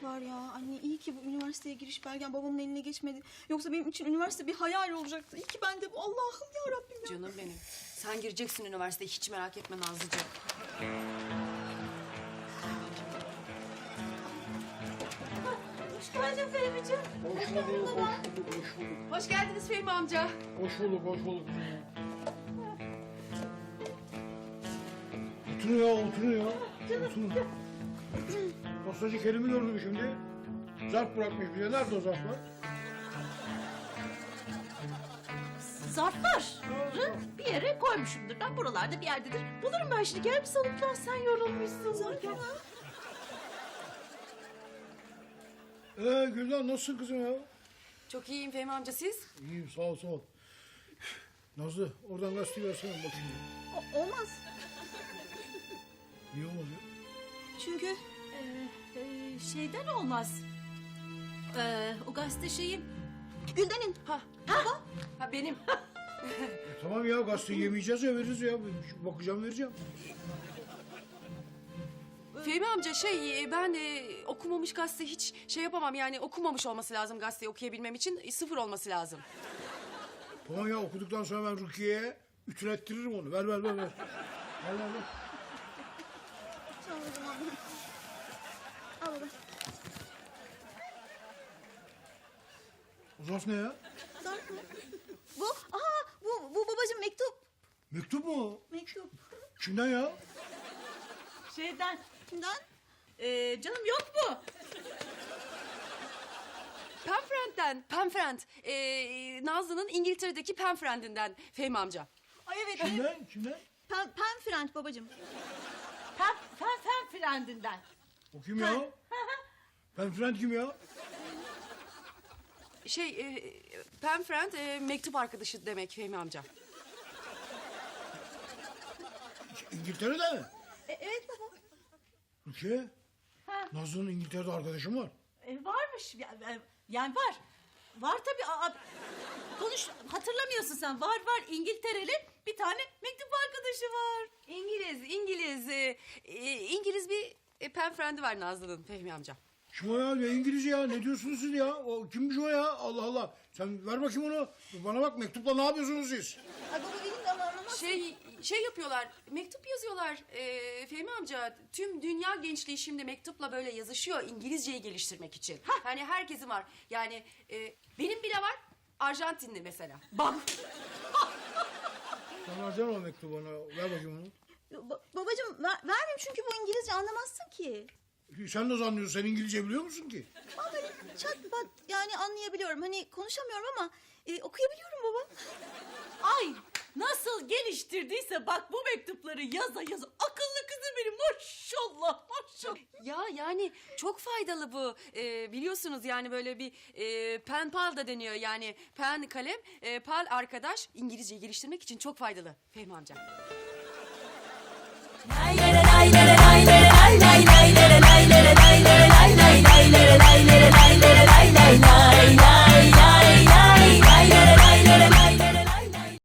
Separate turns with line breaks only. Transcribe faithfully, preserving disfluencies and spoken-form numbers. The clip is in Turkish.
var ya. Anne iyi ki bu üniversiteye giriş belgem babamın eline geçmedi. Yoksa benim için üniversite bir hayal olacaktı. İyi ki ben de bu. Allah'ım ya Rabbim ya.
Canım benim. Sen gireceksin üniversiteye, hiç merak etme Nazlıcığım.
Hoş geldin Fehmi'ciğim.
Hoş bulduk, hoş bulduk, hoş bulduk.
Hoş geldiniz Fehmi amca.
Hoş bulduk, hoş bulduk. Oturun ya, oturun ya. Oturun. Postacı Kerim'i gördüm şimdi. Zarf bırakmış bize. Nerede o zarflar?
Zarfları bir yere koymuşumdur. Ben buralarda bir yerdedir. Bulurum ben şimdi. Gel bir soluklan, sen yorulmuşsun. Zarflar.
Ee Gülden nasılsın kızım ya?
Çok iyiyim Fehmi amca, siz?
İyiyim, sağ ol, sağ ol. Nazlı, oradan gazeteyi versene bakayım.
O- olmaz.
Niye olmaz ya?
Çünkü
Ee, e, şeyden olmaz. Ee, o gazete şeyin.
Gülden'in.
Ha, ha benim.
E, tamam ya, gazeteyi yemeyeceğiz ya, veririz ya. Bakacağım, vereceğim.
Fehmi amca şey, ben e, okumamış gazete hiç şey yapamam. Yani okumamış olması lazım gazeteyi okuyabilmem için. E, sıfır olması lazım.
Tamam ya, okuduktan sonra ben Rukiye'ye ütülettiririm onu. Ver, ver, ver, ver. Ver, ver, ver.
Tamam o zaman. Al baba.
O zarf ne ya?
Zarf mı? Bu, aha bu, bu babacığım mektup.
Mektup mu o?
Mektup.
Kimden ya?
Şeyden.
Kimden?
Ee, canım yok mu?
Penfriend'den, Penfriend. E, Nazlı'nın İngiltere'deki Penfriend'inden Fehmi amca.
Ay evet.
Kimden? Kimden?
Pen, Penfriend babacığım.
Fen, fen, fen frendinden.
O kim ya? Ben Friend kim ya?
Şey, e, Penfriend e, mektup arkadaşı demek Fehmi amca.
İngiltere'de mi?
E, evet baba.
Rukiye.
Ha.
Nazlı'nın İngiltere'de arkadaşım var.
E, varmış. Yani, yani var. Var tabii. Aa, konuş, hatırlamıyorsun sen. Var var. İngiltereli bir tane mektup arkadaşı var.
İngiliz, İngiliz. E, e, İngiliz bir e, Penfriend'i var Nazlı'nın Fehmi amca.
Kim o ya? Ne İngilizce ya? Ne diyorsunuz siz ya? O kimmiş o ya? Allah Allah. Sen ver bakayım onu. Bana bak, mektupla ne yapıyorsunuz siz?
Ay baba benim de ama anlamaz.
Şey şey yapıyorlar, mektup yazıyorlar e, Fehmi amca. Tüm dünya gençliği şimdi mektupla böyle yazışıyor İngilizceyi geliştirmek için. Hani herkesin var. Yani e, benim bile var, Arjantinli mesela.
Bak.
Sen versene o mektubu bana. Ver bakayım onu.
Ba- babacığım ver, vermeyeyim çünkü bu İngilizce anlamazsın ki.
Sen nasıl anlıyorsun? Sen İngilizce biliyor musun ki?
Ama böyle çat pat yani anlayabiliyorum. Hani konuşamıyorum ama e, okuyabiliyorum baba.
Ay nasıl geliştirdiyse bak bu mektupları yaza yaza. Akıllı kızım benim, maşallah maşallah.
Ya yani çok faydalı bu. E, biliyorsunuz yani böyle bir e, pen pal da deniyor. Yani pen kalem, e, pal arkadaş. İngilizceyi geliştirmek için çok faydalı Fehmi amca.
Lay lay lay lay lay.